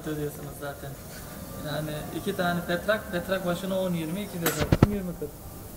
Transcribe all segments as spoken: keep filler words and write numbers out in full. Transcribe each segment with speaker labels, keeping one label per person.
Speaker 1: ödüyorsunuz zaten. Yani iki tane petrak, petrak başına on yirmi, iki de zaten yirmi kırk.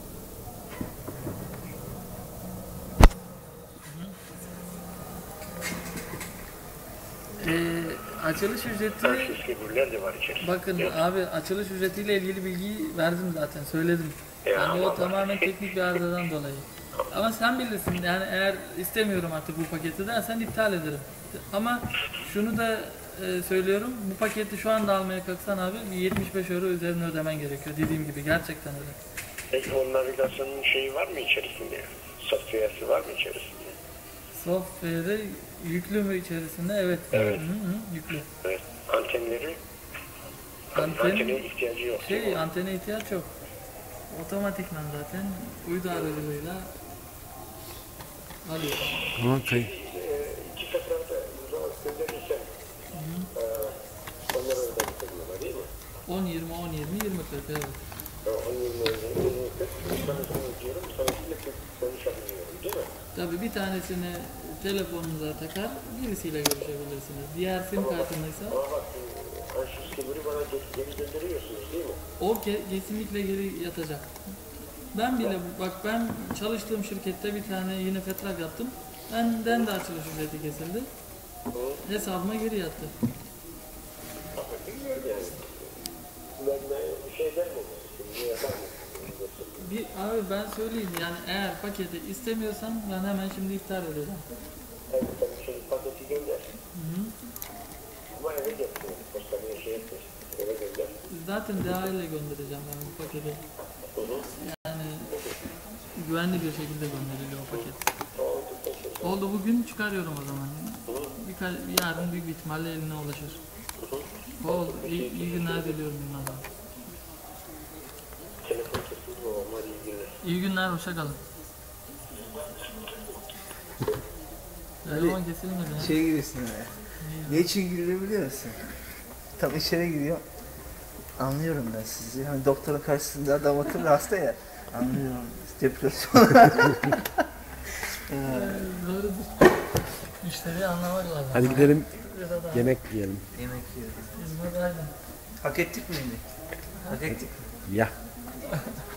Speaker 1: Ee, açılış ücreti, bakın abi, açılış ücretiyle ilgili bilgiyi verdim zaten, söyledim. Yani o tamamen teknik bir arızadan dolayı. Ama sen bilirsin, yani eğer istemiyorum artık bu paketi dersen iptal ederim. Ama şunu da e, söylüyorum, bu paketi şu anda almaya kalksan abi yetmiş beş euro üzerine ödemen gerekiyor, dediğim gibi gerçekten öyle.
Speaker 2: Peki o navigasyonun şeyi var mı içerisinde? Software'si var mı içerisinde?
Speaker 1: Software'i yüklü mü içerisinde? Evet.
Speaker 2: Evet.
Speaker 1: Hı hı, yüklü.
Speaker 2: Evet. Antenleri?
Speaker 1: Anten,
Speaker 2: antene ihtiyacı yok.
Speaker 1: Şey, antene ihtiyaç yok. Otomatikman zaten uydu aracılığıyla alıyor.
Speaker 3: Tamam, kayıt.
Speaker 2: İki seferde uzağa gönderirsen onları öyle getiriyorlar değil mi?
Speaker 1: on yirmi on yirmi yirmi kırk, evet.
Speaker 2: on yirmi yirmi kırk bir tanesini ödüyorum, sonrasında konuşabiliyorum değil mi?
Speaker 1: Tabii bir tanesini telefonunuza takar, birisiyle görüşebilirsiniz. Diğer sim kartındaysa
Speaker 2: Ama bak, Ansys Kibir'i bana geri gönderiyorsunuz değil mi?
Speaker 1: o ke kesinlikle geri yatacak. Ben bile, bak ben çalıştığım şirkette bir tane yine fetrak yaptım. Benden de açılış ücreti kesildi. Hı. Hesabıma geri yattı.
Speaker 2: Ama bilmiyorum yani. Ben bir şey dermedim. Şimdi yapar mısın?
Speaker 1: Bir, abi ben söyleyeyim, yani eğer paketi istemiyorsan ben hemen şimdi iptal edeceğim.
Speaker 2: Evet, sen şimdi paketi gönder.
Speaker 1: Hı hı.
Speaker 2: Ama eve getir. Postaneye şey etmiş. Eve gönder.
Speaker 1: Zaten D H L ile göndereceğim ben bu paketi.
Speaker 2: Hı hı.
Speaker 1: Yani güvenli bir şekilde gönderiliyor o paket. Oldu, bugün çıkarıyorum o zaman. Birkaç, yarın büyük bir ihtimalle eline ulaşır. Oldu, iyi, iyi günler diliyorum bunlardan.
Speaker 2: Telefon kesildi o, ama iyi günler.
Speaker 1: İyi günler, hoşça kalın. Telefon kesilmedi ya.
Speaker 4: Şey giriyorsun oraya. Ne için giriyor biliyor musun? Tam içeri giriyor. Anlıyorum ben sizi. Hani doktorun karşısında adam akıllı hasta ya. Anlıyorum. Depresyon.
Speaker 1: Doğrudur. Müşteriyi anlamak lazım.
Speaker 3: Hadi gidelim, yemek yiyelim.
Speaker 4: Yemek yiyorum.
Speaker 1: Hizmet aydın.
Speaker 4: Hak ettik mi? Hak ettik mi?
Speaker 3: Ya.